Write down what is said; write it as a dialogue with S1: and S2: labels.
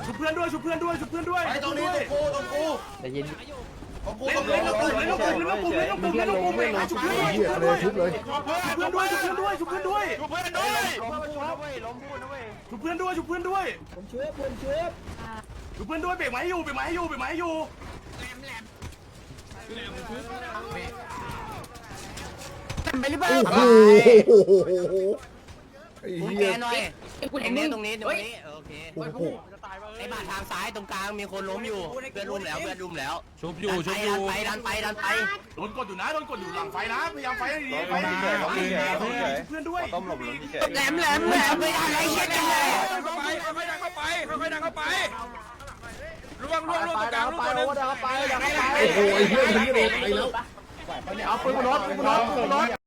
S1: ชุบเพื่อนด้วยชุบเพื่อนด้วยชุบเพื่อนด้วย
S2: ไอ้ตรงนี้ตรงกู
S3: ใจเย็น
S2: ของกู
S1: เล่นเล่นลงปุ่มเล่นลงปุ่มเล่นลงปุ่มเล่นลงปุ่มเล่นลงปุ่มเองชุบเพื่อนด้วย
S4: เหี้ยเลยชุบเลย
S1: ชุบเพื่อนด้วยชุบเพื่อนด้วยชุบเพื่อนด้วย
S2: เพื่อนด้วย
S1: ชุบเพื่อนด้วยชุบเพื่อนด้วย
S3: ผมช่วยผมช่วย
S1: ชุบเพื่อนด้วยเบรกไม้อยู่เบรกไม้อยู่เบรกไม้อยู่
S3: ไปหรือเปล่า
S4: โอ้โหไอ้เหี้ย
S3: หน่อยกูเห็นเนี่ยตรงนี้โอเค
S4: โอ้โห
S3: ไอ้บาดทางซ้ายตรงกลางมีคนล้มอยู่เพื่อนรุมแล้ว
S5: ชุบอยู่
S3: ดันไป
S1: โดนกดอยู่นะโดนกดอยู่หลังไฟนะพยายามไฟให้ดีไฟดีเพื่อนด้วย
S2: ต้มหลบหลุมที่เฉย
S3: แหลมไม่ได้อะไรเงี้ยเลย
S5: เข้าไปค่อยๆดังเข้าไปค่อยๆดังเข้าไปล่วงตรงกลางล่วงตัวนึง
S4: โอ้โหไอ้เหี้ยมันนี่โดนไปแล้ว
S1: เอาปืนบนรถปืนบนรถปืนบนรถ